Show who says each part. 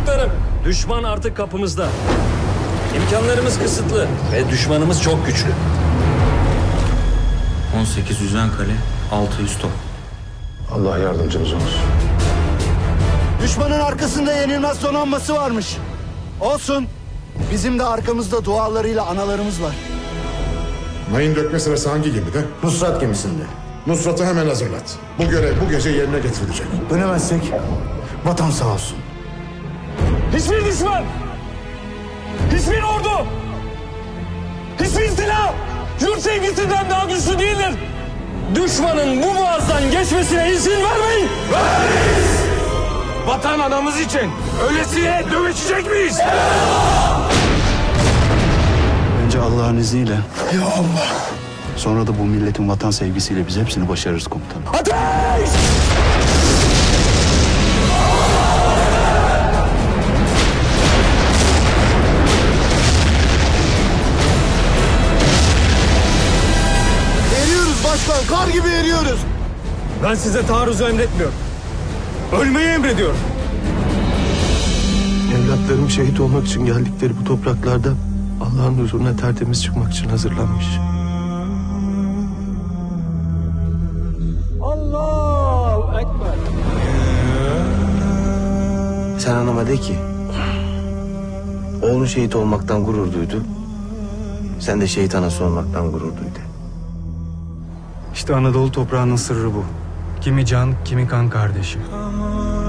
Speaker 1: Çocuklarım, düşman artık kapımızda. İmkanlarımız kısıtlı ve düşmanımız çok güçlü.
Speaker 2: 18 yüzen kale, 600 top.
Speaker 3: Allah yardımcınız olsun.
Speaker 4: Düşmanın arkasında yenilmez donanması varmış. Olsun. Bizim de arkamızda dualarıyla analarımız var.
Speaker 3: Mayın dökme sırası hangi gemide?
Speaker 4: Nusrat gemisinde.
Speaker 3: Nusrat'ı hemen hazırlat. Bu görev bu gece yerine getirilecek.
Speaker 4: Dönemezsek vatan sağ olsun.
Speaker 1: Hiçbir düşman, hiçbir ordu, hiçbir silah yurt sevgisinden daha güçlü değildir. Düşmanın bu boğazdan geçmesine izin vermeyin.
Speaker 5: Vermeyiz! Vatan anamız için öylesine dövüşecek miyiz?
Speaker 4: Önce Allah'ın izniyle. Ya Allah. Sonra da bu milletin vatan sevgisiyle biz hepsini başarırız komutanım.
Speaker 5: Ateş!
Speaker 4: Eriyoruz başkan, kar gibi eriyoruz.
Speaker 1: Ben size taarruzu emretmiyorum. Ölmeyi emrediyorum.
Speaker 6: Evlatlarım şehit olmak için geldikleri bu topraklarda Allah'ın huzuruna tertemiz çıkmak için hazırlanmış.
Speaker 1: Allahu Ekber.
Speaker 7: Sen anama de ki oğlun şehit olmaktan gurur duydu. Sen de şehit anası olmaktan gurur duy de.
Speaker 8: İşte Anadolu toprağının sırrı bu. Kimi can, kimi kan kardeşi.